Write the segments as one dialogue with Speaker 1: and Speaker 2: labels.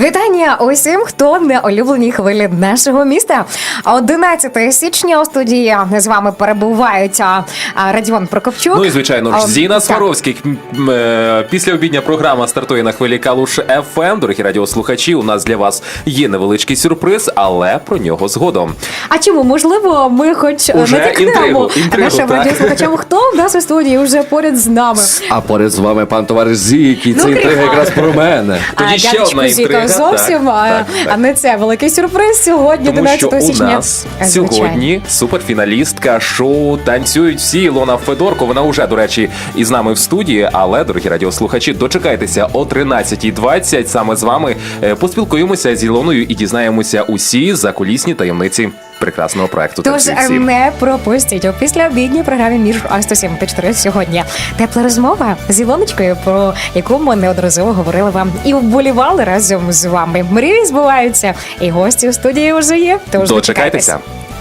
Speaker 1: Вітання усім, хто на улюбленій хвилі нашого міста. 11 січня у студії з вами перебувають Радіон Прокопчук.
Speaker 2: Ну і, звичайно ж, Зіна Сваровських. Післяобідня програма стартує на хвилі Калуш ФМ. Дорогі радіослухачі, у нас для вас є невеличкий сюрприз, але про нього згодом.
Speaker 1: А чому? Можливо, ми хоч натякнемо нашим радіослухачам, хто в нас у студії вже поряд з нами.
Speaker 3: А поряд з вами пан товариш Зікі. Це інтрига якраз про мене.
Speaker 2: Тоді ще одна інтрига.
Speaker 1: Зовсім, а не це великий сюрприз сьогодні, 11 січня.
Speaker 2: Тому що у нас сьогодні суперфіналістка шоу «Танцюють всі» Ілона Федорко. Вона вже, до речі, із нами в студії, але, дорогі радіослухачі, дочекайтеся о 13:20. Саме з вами поспілкуємося з Ілоною і дізнаємося усі закулісні таємниці прекрасного проекту.
Speaker 1: Тож не пропустіть у післяобідній програмі між 107 та 4 сьогодні. Тепла розмова з Ілоночкою, про яку ми неодноразово говорили вам і вболівали разом з вами. Мрії збуваються, і гості у студії вже є. Тож
Speaker 2: дочекайтеся.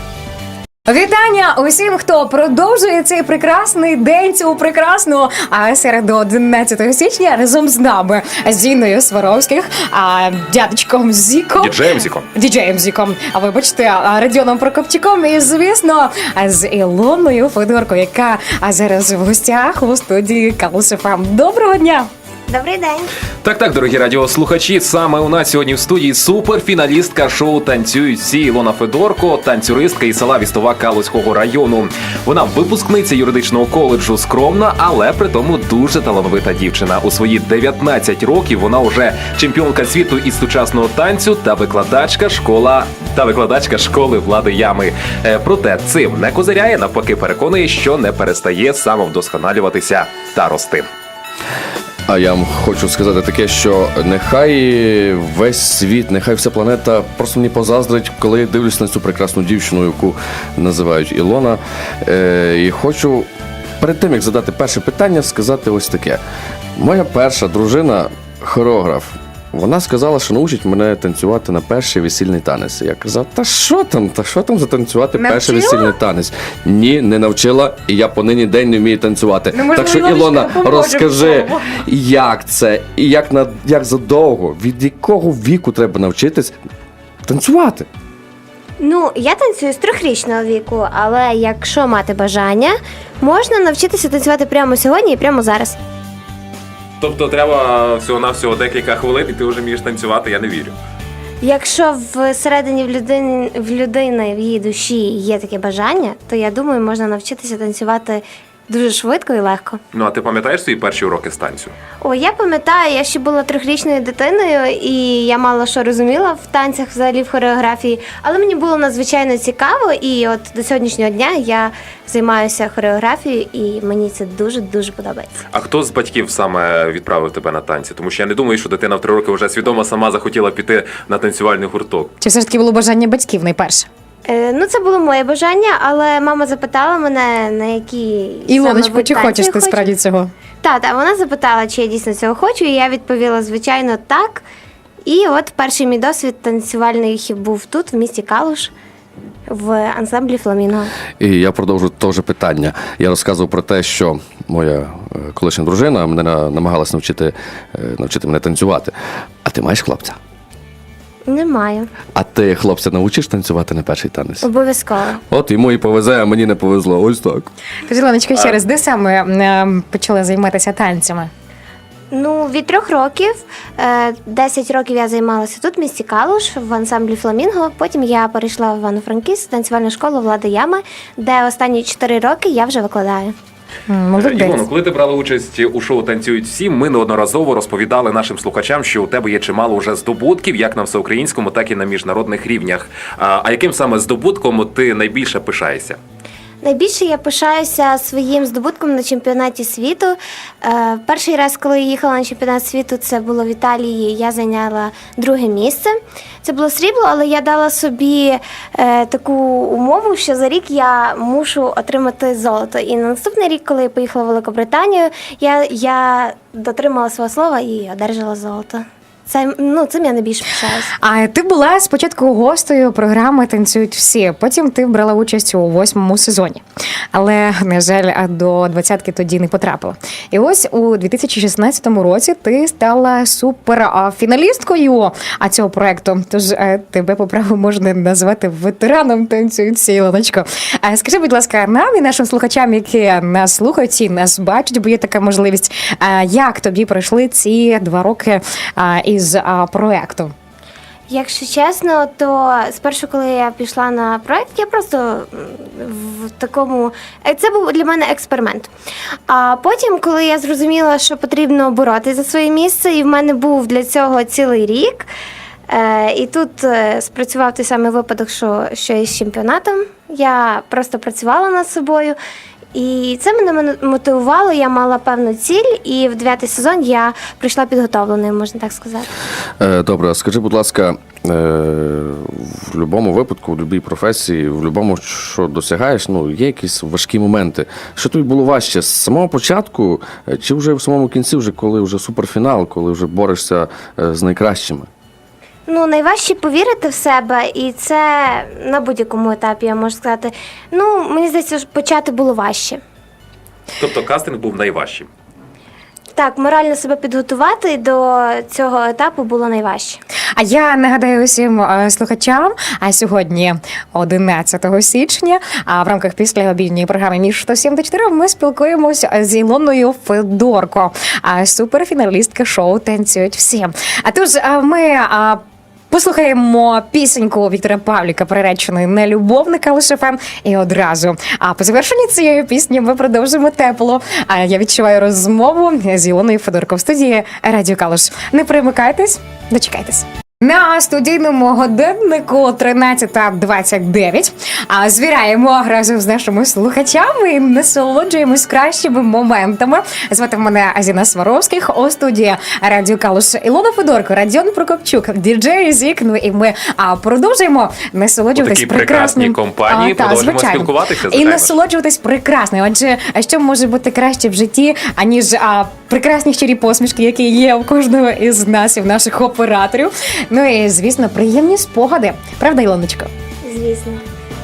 Speaker 1: Вітання усім, хто продовжує цей прекрасний день, цю прекрасну середу 11 січня разом з нами, з Зіною Сваровських, дядечком Зіком. Діджеєм Зіком. А вибачте, Радіоном Прокопчуком і, звісно, з Ілоною Федорко, яка зараз в гостях у студії Калуш ФМ. Доброго дня!
Speaker 4: Добрий день.
Speaker 2: Так, дорогі радіослухачі, саме у нас сьогодні в студії суперфіналістка шоу «Танцюють всі» Ілона Федорко, танцюристка із села Вістова Калузького району. Вона випускниця юридичного коледжу, скромна, але при тому дуже талановита дівчина. У свої 19 років вона вже чемпіонка світу із сучасного танцю та викладачка школи Влади Ями. Проте цим не козиряє, навпаки переконує, що не перестає самовдосконалюватися та рости.
Speaker 3: А я вам хочу сказати таке, що нехай весь світ, нехай вся планета просто мені позаздрить, коли я дивлюсь на цю прекрасну дівчину, яку називають Ілона. І хочу перед тим, як задати перше питання, сказати ось таке. Моя перша дружина – хореограф. Вона сказала, що научить мене танцювати на перший весільний танець. Я казав, та що там затанцювати перший весільний танець? Ні, не навчила, і я по нині день не вмію танцювати. Так що, Ілона, розкажи, як це, і як задовго, від якого віку треба навчитись танцювати?
Speaker 4: Ну, я танцюю з 3-річного віку, але якщо мати бажання, можна навчитися танцювати прямо сьогодні і прямо зараз.
Speaker 2: Тобто треба всього-навсього декілька хвилин, і ти вже вмієш танцювати, я не вірю.
Speaker 4: Якщо всередині в людини, в її душі є таке бажання, то я думаю, можна навчитися танцювати дуже швидко і легко.
Speaker 2: Ну, а ти пам'ятаєш свої перші уроки з танцю?
Speaker 4: О, я пам'ятаю, я ще була 3-річною дитиною, і я мало що розуміла в танцях, взагалі в хореографії, але мені було надзвичайно цікаво, і от до сьогоднішнього дня я займаюся хореографією, і мені це дуже-дуже подобається. А
Speaker 2: хто з батьків саме відправив тебе на танці? Тому що я не думаю, що дитина в 3 роки вже свідомо сама захотіла піти на танцювальний гурток.
Speaker 1: Чи все ж таки було бажання батьків найперше?
Speaker 4: Ну, це було моє бажання, але мама запитала мене, на які
Speaker 1: Ілоночко, чи хочеш ти справді цього?
Speaker 4: Так, вона запитала, чи я дійсно цього хочу, і я відповіла, звичайно, так. І от перший мій досвід танцювальний був тут, в місті Калуш, в ансамблі «Фламінго».
Speaker 3: І я продовжу те ж питання. Я розказував про те, що моя колишня дружина мене намагалась навчити мене танцювати. А ти маєш хлопця?
Speaker 4: Немає.
Speaker 3: А ти хлопця навчиш танцювати на перший танець?
Speaker 4: Обов'язково.
Speaker 3: От йому і повезе, а мені не повезло. Ось так.
Speaker 1: Тож, Ілоночка, ще раз, де саме почали займатися танцями?
Speaker 4: Ну, від 3 років. 10 років я займалася тут, в місті Калуш, в ансамблі «Фламінго». Потім я перейшла в Івано-Франківськ, танцювальну школу Влади Ями, де останні 4 роки я вже викладаю.
Speaker 2: Ілоно, коли ти брала участь у шоу «Танцюють всі», ми неодноразово розповідали нашим слухачам, що у тебе є чимало вже здобутків, як на всеукраїнському, так і на міжнародних рівнях. А яким саме здобутком ти найбільше пишаєшся?
Speaker 4: Найбільше я пишаюся своїм здобутком на чемпіонаті світу. Перший раз, коли я їхала на чемпіонат світу, це було в Італії, я зайняла 2-е місце. Це було срібло, але я дала собі таку умову, що за рік я мушу отримати золото. І на наступний рік, коли я поїхала в Великобританію, я дотримала свого слова і одержала золото. цим я найбільше пишаюся.
Speaker 1: А ти була спочатку гостею програми «Танцюють всі», потім ти брала участь у 8-му сезоні. Але, на жаль, до 20-ки тоді не потрапила. І ось у 2016 році ти стала суперфіналісткою цього проекту. Тож тебе по праву можна назвати ветераном «Танцюють всі», Ілоночко. Скажи, будь ласка, нам і нашим слухачам, які нас слухають і нас бачать, бо є така можливість, як тобі пройшли ці 2 роки із проекту?
Speaker 4: Якщо чесно, то спершу, коли я пішла на проект, я просто в такому... Це був для мене експеримент. А потім, коли я зрозуміла, що потрібно боротися за своє місце, і в мене був для цього цілий рік, і тут спрацював той самий випадок, що і з чемпіонатом. Я просто працювала над собою, і це мене мотивувало, я мала певну ціль, і в 9-й сезон я прийшла підготовленою, можна так сказати.
Speaker 3: Добре, а скажи, будь ласка, в будь-якому випадку, в будь-якій професії, в будь-якому, що досягаєш, є якісь важкі моменти. Що тобі було важче, з самого початку, чи вже в самому кінці, коли вже суперфінал, коли вже борешся з найкращими?
Speaker 4: Найважче повірити в себе, і це на будь-якому етапі, я можу сказати. Мені здається, почати було важче.
Speaker 2: Тобто кастинг був найважчим.
Speaker 4: Так, морально себе підготувати до цього етапу було найважче.
Speaker 1: А я нагадаю усім слухачам, сьогодні 11 січня, в рамках післяобідньої програми «Між 107 та 4» ми спілкуємося з Ілоною Федорко, суперфіналістка шоу «Танцюють всі». Тож ми послухаємо пісеньку Віктора Павліка, приреченої на любов на Калуш ФМ. І одразу по завершенні цієї пісні ми продовжимо тепло. Я відчуваю розмову з Ілоною Федорко в студії Радіо Калуш. Не перемикайтесь, дочекайтесь. На студійному годиннику 13:29. Звіряємо разом з нашими слухачами і насолоджуємось кращими моментами. Звати мене Азіна Сваровських, у студії Радіо Калуш Ілона Федорко, Радіон Прокопчук, діджей Зік. І ми продовжуємо насолоджуватись прекрасним
Speaker 2: компанії, продовжуємо спілкуватися.
Speaker 1: І насолоджуватись прекрасним. Адже що може бути краще в житті, аніж прекрасні щирі посмішки, які є у кожного із нас і в наших операторів. І, звісно, приємні спогади. Правда, Ілоночко?
Speaker 4: Звісно.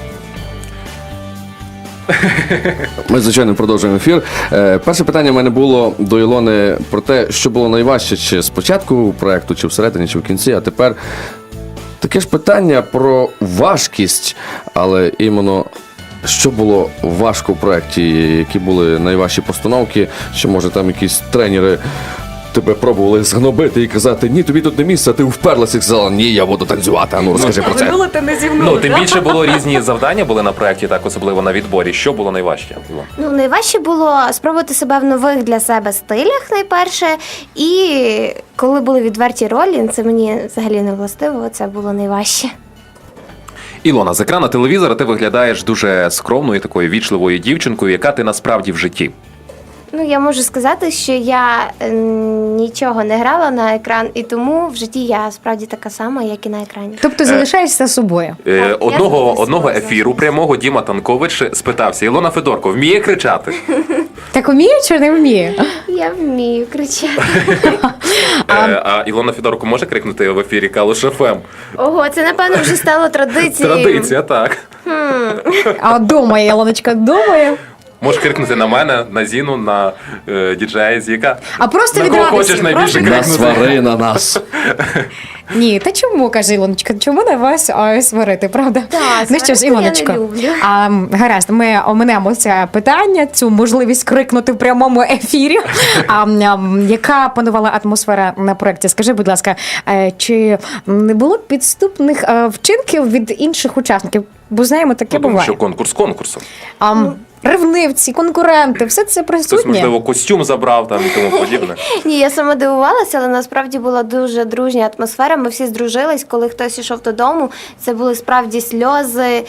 Speaker 3: Ми, звичайно, продовжуємо ефір. Перше питання в мене було до Ілони про те, що було найважче, чи спочатку проєкту, чи всередині, чи в кінці, а тепер таке ж питання про важкість, але іменно що було важко в проєкті, які були найважчі постановки, чи може там якісь тренери тебе пробували згнобити і казати, ні, тобі тут не місце, а ти вперлася і сказала, ні, я буду танцювати, розкажи про це.
Speaker 2: Тим більше було різні завдання були на проєкті, так особливо на відборі. Що було найважче?
Speaker 4: Найважче було спробувати себе в нових для себе стилях, найперше, і коли були відверті ролі, це мені взагалі не властиво, це було найважче.
Speaker 2: Ілона, з екрану телевізора ти виглядаєш дуже скромною, такою вічливою дівчинкою, яка ти насправді в житті.
Speaker 4: Я можу сказати, що я нічого не грала на екран, і тому в житті я справді така сама, як і на екрані.
Speaker 1: Тобто залишаєшся собою?
Speaker 2: Одного ефіру прямого Діма Танкович спитався, Ілона Федорко вміє кричати?
Speaker 1: Так вміє чи не вміє?
Speaker 4: Я вмію кричати.
Speaker 2: А Ілона Федорко може крикнути в ефірі Калуш ФМ?
Speaker 4: Ого, це, напевно, вже стало традицією.
Speaker 2: Традиція, так.
Speaker 1: А думає, Ілоночка, думає.
Speaker 2: Можеш крикнути на мене, на Зіну, на діджея Зіка.
Speaker 1: А просто
Speaker 2: на кого хочеш
Speaker 1: відразу.
Speaker 2: найбільше
Speaker 3: На
Speaker 2: крикнути.
Speaker 3: свари на нас.
Speaker 1: Ні, та чому, каже Ілоночка, чому на вас сварити, правда?
Speaker 4: Так,
Speaker 1: Ну що ж,
Speaker 4: сварити я
Speaker 1: Ілоночко,
Speaker 4: не люблю.
Speaker 1: гаразд, ми оминемо це питання, цю можливість крикнути в прямому ефірі. Яка панувала атмосфера на проєкті? Скажи, будь ласка, чи не було підступних вчинків від інших учасників? Бо знаємо, таке
Speaker 2: Тому
Speaker 1: буває.
Speaker 2: що конкурс конкурсом.
Speaker 1: Ревнивці, конкуренти, все це
Speaker 2: Хтось,
Speaker 1: присутнє.
Speaker 2: можливо, костюм забрав там і тому подібне.
Speaker 4: Ні, я сама дивувалася, але насправді була дуже дружня атмосфера. Ми всі здружились, коли хтось йшов додому. Це були справді сльози.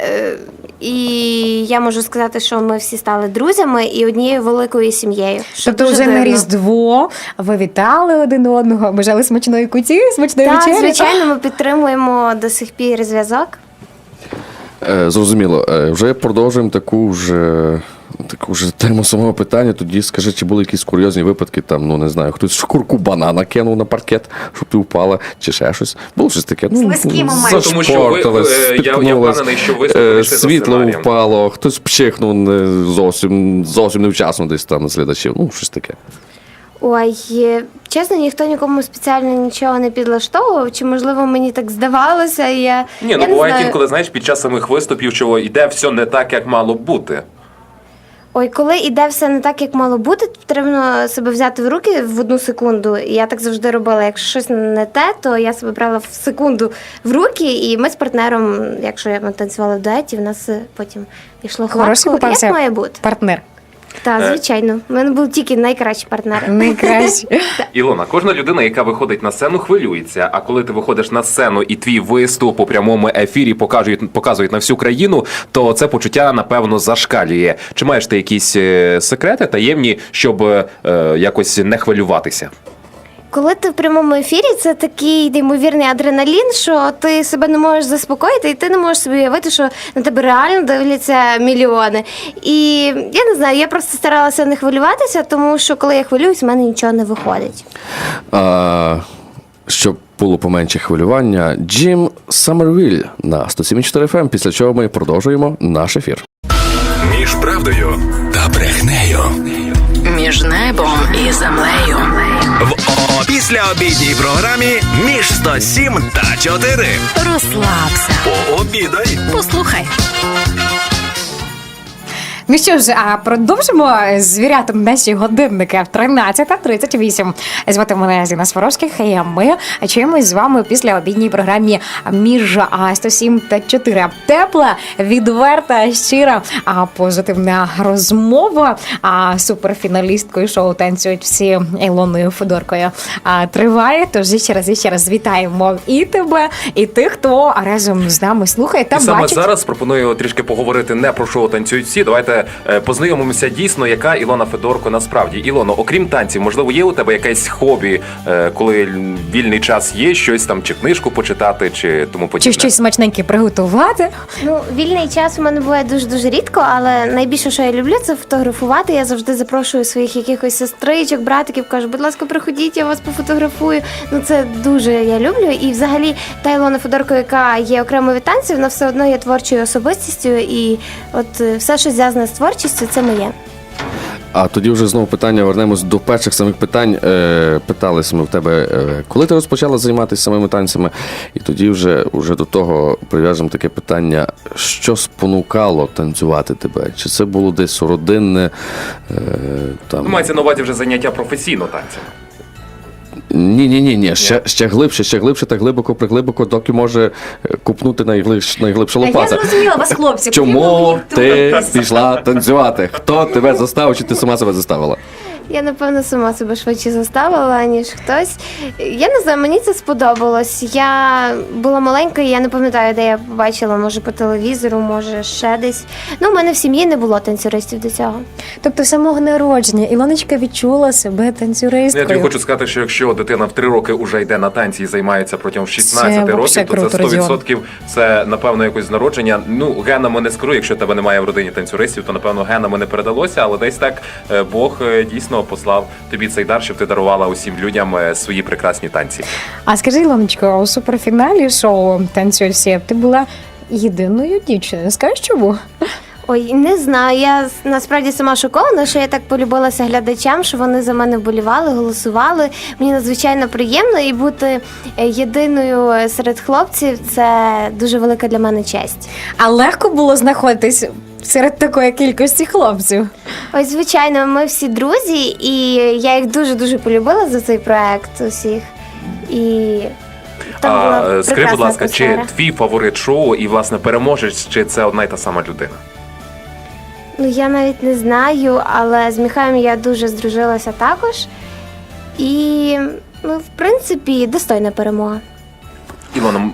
Speaker 4: І я можу сказати, що ми всі стали друзями і однією великою сім'єю.
Speaker 1: Тобто вже на Різдво ви вітали один одного, бажали смачної куті, смачної
Speaker 4: Так,
Speaker 1: вечері?
Speaker 4: звичайно, ми підтримуємо до сих пір зв'язок.
Speaker 3: Зрозуміло. Вже продовжуємо таку вже Так уже тему самого питання, тоді скажи, чи були якісь курйозні випадки, там, ну не знаю, хтось шкурку банана кинув на паркет, щоб ти впала, чи ще щось. Було щось таке.
Speaker 1: Слизькі моменти.
Speaker 2: Тому що ви,
Speaker 3: зашпортилась,
Speaker 2: я
Speaker 3: спіткнулась,
Speaker 2: впевнений, що ви прийшли за
Speaker 3: світло
Speaker 2: сценарієм.
Speaker 3: впало, хтось пчихнув зовсім невчасно десь там на слідачів, ну щось таке.
Speaker 4: Ой, чесно, ніхто нікому спеціально нічого не підлаштовував, чи можливо мені так здавалося, і я.
Speaker 2: Ні,
Speaker 4: я
Speaker 2: ну
Speaker 4: не
Speaker 2: буває
Speaker 4: знаю.
Speaker 2: інколи, знаєш, під час самих виступів, що йде все не так, як мало б бути.
Speaker 4: Ой, коли іде все не так, як мало бути, потрібно себе взяти в руки в 1 секунду. І я так завжди робила. Якщо щось не те, то я себе брала в секунду в руки, і ми з партнером, якщо ми танцювали в дуеті, в нас потім йшло
Speaker 1: Хороший
Speaker 4: гладко,
Speaker 1: попався
Speaker 4: як має бути.
Speaker 1: партнер.
Speaker 4: Так, звичайно. У мене був тільки найкращий партнер.
Speaker 1: Найкраще.
Speaker 2: Ілона, кожна людина, яка виходить на сцену, хвилюється. А коли ти виходиш на сцену і твій виступ у прямому ефірі показують на всю країну, то це почуття, напевно, зашкалює. Чи маєш ти якісь секрети таємні, щоб якось не хвилюватися?
Speaker 4: Коли ти в прямому ефірі, це такий неймовірний адреналін, що ти себе не можеш заспокоїти, і ти не можеш собі уявити, що на тебе реально дивляться мільйони. І я не знаю, я просто старалася не хвилюватися, тому що коли я хвилююсь, в мене нічого не виходить.
Speaker 3: Щоб було поменше хвилювання, Джим Саммервіль на 107.4 FM, після чого ми продовжуємо наш ефір.
Speaker 5: Між правдою та брехнею.
Speaker 6: Між небом і землею.
Speaker 5: В післяобідній програмі «Між 107 та 4».
Speaker 6: Розслабся.
Speaker 5: Пообідай.
Speaker 6: Послухай.
Speaker 1: Ну що ж, а продовжимо звіряти наші годинники в 13:38. Звати мене Зіна Сваровських, і ми чуємось з вами після обідній програмі «Між 107 та 4». Тепла, відверта, щира, позитивна розмова суперфіналісткою шоу «Танцюють всі» Ілоною Федоркою триває. Тож ще раз вітаємо і тебе, і тих, хто разом з нами слухає та
Speaker 2: І саме
Speaker 1: бачить.
Speaker 2: зараз пропоную трішки поговорити не про шоу «Танцюють всі». Давайте познайомимося дійсно, яка Ілона Федорко насправді. Ілоно, окрім танців, можливо, є у тебе якесь хобі, коли вільний час є, щось там, чи книжку почитати, чи тому подібне?
Speaker 1: Чи щось смачненьке приготувати?
Speaker 4: Ну, вільний час у мене буває дуже-дуже рідко, але найбільше, що я люблю, це фотографувати. Я завжди запрошую своїх якихось сестричок, братиків, кажу, будь ласка, приходіть, я вас пофотографую. Ну, це дуже я люблю. І взагалі та Ілона Федорко, яка є окремо від танців, вона все одно є творчою особистістю. І от все, що зв'язане з творчістю, це моє.
Speaker 3: А тоді вже знову питання, вернемось до перших самих питань. Питалися ми в тебе, коли ти розпочала займатися самими танцями, і тоді вже до того прив'яжемо таке питання, що спонукало танцювати тебе? Чи це було десь родинне? Там...
Speaker 2: Мається на увазі вже заняття професійно танцями.
Speaker 3: Ні. Ще глибше та глибоко, доки може купнути найглибша
Speaker 1: Я
Speaker 3: лопата.
Speaker 1: зрозуміла вас, хлопці.
Speaker 3: Чому ти пішла танцювати? Хто тебе заставив, чи ти сама себе заставила?
Speaker 4: Я, напевно, сама себе швидше заставила, ніж хтось. Я не знаю, мені це сподобалось. Я була маленька, і я не пам'ятаю, де я побачила, може по телевізору, може ще десь. Ну, у мене в сім'ї не було танцюристів до цього.
Speaker 1: Тобто з самого народження Ілоночка відчула себе танцюристкою.
Speaker 2: Я тобі хочу сказати, що якщо дитина в 3 роки вже йде на танці і займається протягом 16
Speaker 1: Це
Speaker 2: років,
Speaker 1: вообще
Speaker 2: то це
Speaker 1: круто,
Speaker 2: 100% це, напевно, якось з народження. Ну, генами не скажу, якщо тебе немає в родині танцюристів, то, напевно, генами не передалося, але десь так Бог дійсно послав тобі цей дар, щоб ти дарувала усім людям свої прекрасні танці.
Speaker 1: А скажи, Ілоночко, у суперфіналі шоу «Танцюють всі» ти була єдиною дівчиною. Скажеш чому?
Speaker 4: Ой, не знаю. Я насправді сама шокована, що я так полюбилася глядачам, що вони за мене вболівали, голосували. Мені надзвичайно приємно, і бути єдиною серед хлопців – це дуже велика для мене честь.
Speaker 1: А легко було знаходитись серед такої кількості хлопців?
Speaker 4: Ой, звичайно, ми всі друзі, і я їх дуже-дуже полюбила за цей проект усіх. І там була
Speaker 2: А скажи,
Speaker 4: прекрасна
Speaker 2: будь ласка,
Speaker 4: атмосфера.
Speaker 2: чи твій фаворит шоу і, власне, переможець, чи це одна й та сама людина?
Speaker 4: Ну, я навіть не знаю, але з Міхаєм я дуже здружилася також. І, ну, в принципі, достойна перемога.
Speaker 2: Ілона,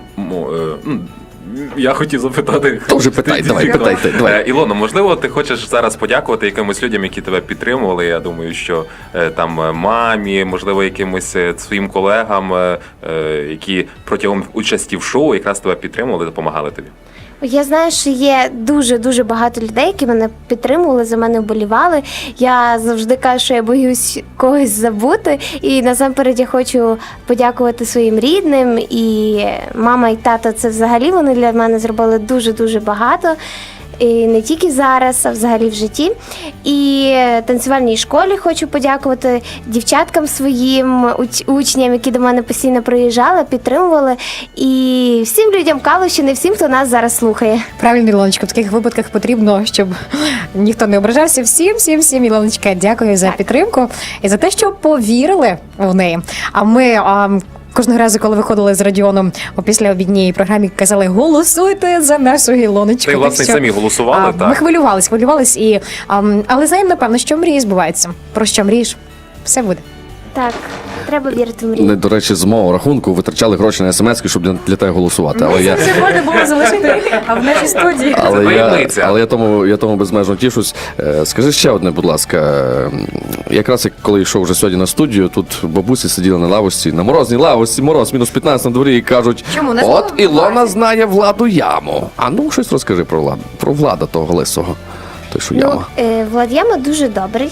Speaker 2: я хотів запитати.
Speaker 3: Тоже питай, давай.
Speaker 2: Ілона, можливо, ти хочеш зараз подякувати якимось людям, які тебе підтримували. Я думаю, що там мамі, можливо, якимось своїм колегам, які протягом участі в шоу якраз тебе підтримували, допомагали тобі.
Speaker 4: Я знаю, що є дуже багато людей, які мене підтримували, за мене вболівали. Я завжди кажу, що я боюсь когось забути. І насамперед я хочу подякувати своїм рідним. І мама і тато, це взагалі вони для мене зробили дуже багато. І не тільки зараз, а взагалі в житті. І танцювальній школі хочу подякувати дівчаткам своїм, учням, які до мене постійно приїжджали, підтримували. І всім людям Калущини, всім, хто нас зараз слухає.
Speaker 1: Правильно, Ілоночка, в таких випадках потрібно, щоб ніхто не ображався. Всім, Ілоночка, дякую за підтримку і за те, що повірили в неї. А ми кожного разу, коли виходили з Радіоном у післяобідній програмі, казали: голосуйте за нашу Ілоночку.
Speaker 2: Та й, власне,
Speaker 1: Так що,
Speaker 2: самі голосували,
Speaker 1: Ми
Speaker 2: так.
Speaker 1: хвилювались, і, але знаємо, напевно, що мрії збуваються. Про що мрієш? Все буде.
Speaker 4: Так, треба вірити в мрію.
Speaker 3: Вони, до речі, з мого рахунку витрачали гроші на смс-ки, щоб для тебе голосувати. Але я,
Speaker 1: Це можна було залишити в нашій студії.
Speaker 3: але я тому безмежно тішусь. Скажи ще одне, будь ласка. Якраз коли йшов вже сьогодні на студію, тут бабусі сиділи на лавочці, на морозній лавочці, мороз, мінус 15 на дворі, і кажуть:
Speaker 1: Чому? Не
Speaker 3: от
Speaker 1: знову
Speaker 3: Ілона
Speaker 1: Владі?
Speaker 3: знає Владу Яму. А ну, щось розкажи про Влада того лисого. Той, що яма.
Speaker 4: Влад Яма дуже добрий.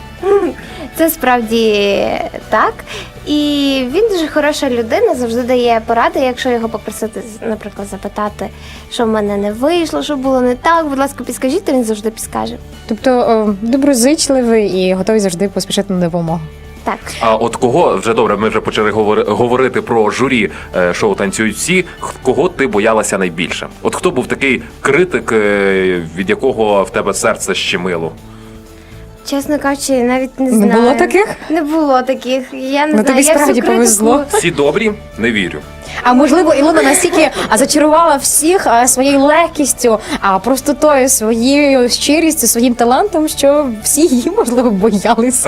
Speaker 4: Це справді так. І він дуже хороша людина, завжди дає поради, якщо його попросити, наприклад, запитати, що в мене не вийшло, що було не так, будь ласка, підскажіть, то він завжди підскаже.
Speaker 1: Тобто доброзичливий і готовий завжди поспішати на допомогу.
Speaker 4: Так.
Speaker 2: А от кого, вже добре, ми вже почали говорити про журі шоу «Танцюють всі», кого ти боялася найбільше? От хто був такий критик, від якого в тебе серце щемило?
Speaker 4: Чесно кажучи, навіть не знаю.
Speaker 1: Не було таких?
Speaker 4: Не було таких. Я не
Speaker 1: Ну,
Speaker 4: знаю.
Speaker 1: тобі
Speaker 4: я всю
Speaker 1: справді
Speaker 4: критику-
Speaker 1: повезло.
Speaker 2: Всі добрі? Не вірю.
Speaker 1: А можливо, Ілона настільки зачарувала всіх своєю легкістю, простотою, своєю щирістю, своїм талантом, що всі її, можливо, боялися.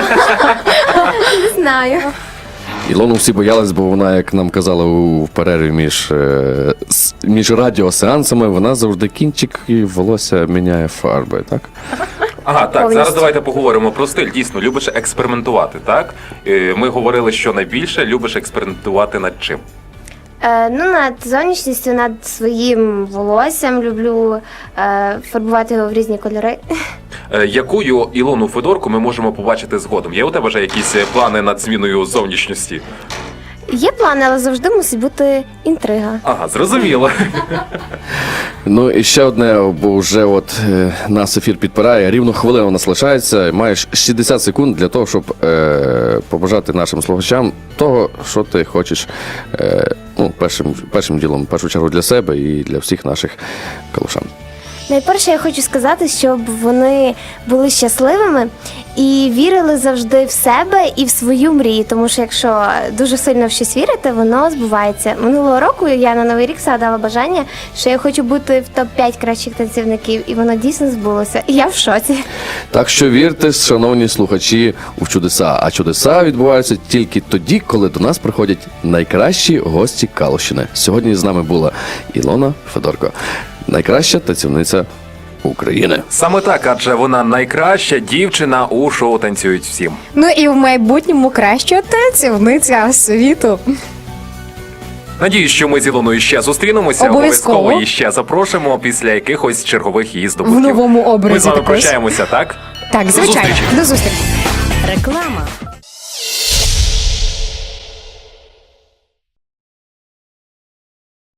Speaker 4: Не знаю.
Speaker 3: Ілону всі боялись, бо вона, як нам казала у перерві між радіосеансами, вона завжди кінчик і волосся міняє фарби, так?
Speaker 2: Ага, так,
Speaker 4: Повністю.
Speaker 2: зараз давайте поговоримо про стиль. Дійсно, любиш експериментувати, так? Ми говорили, що найбільше любиш експериментувати над чим?
Speaker 4: Над зовнішністю, над своїм волоссям люблю фарбувати його в різні кольори.
Speaker 2: Якою Ілону Федорку ми можемо побачити згодом? Є у тебе вже якісь плани над зміною зовнішності?
Speaker 4: Є плани, але завжди мусить бути інтрига.
Speaker 2: Ага, зрозуміло.
Speaker 3: Ну і ще одне, бо вже нас ефір підпирає, рівно хвилина у нас лишається, маєш 60 секунд для того, щоб побажати нашим слухачам того, що ти хочеш, першим ділом, в першу чергу для себе і для всіх наших калушан.
Speaker 4: Найперше, я хочу сказати, щоб вони були щасливими і вірили завжди в себе і в свою мрію. Тому що якщо дуже сильно в щось вірити, воно збувається. Минулого року я на Новий рік згадала бажання, що я хочу бути в топ-5 кращих танцівників, і воно дійсно збулося. І я в шоці.
Speaker 3: Так що вірте, шановні слухачі, у чудеса. А чудеса відбуваються тільки тоді, коли до нас приходять найкращі гості Калущини. Сьогодні з нами була Ілона Федорко, найкраща танцівниця України.
Speaker 2: Саме так, адже вона найкраща дівчина у шоу «Танцюють всім».
Speaker 1: Ну і в майбутньому краща танцівниця світу.
Speaker 2: Надіюсь, що ми з Ілоною ще зустрінемося.
Speaker 1: Обов'язково.
Speaker 2: І ще запрошуємо після якихось чергових її здобутків.
Speaker 1: В новому образі
Speaker 2: Ми з вами
Speaker 1: також.
Speaker 2: прощаємося, так?
Speaker 1: Так, звичайно.
Speaker 2: зустрічі.
Speaker 1: До зустрічі.
Speaker 6: Реклама.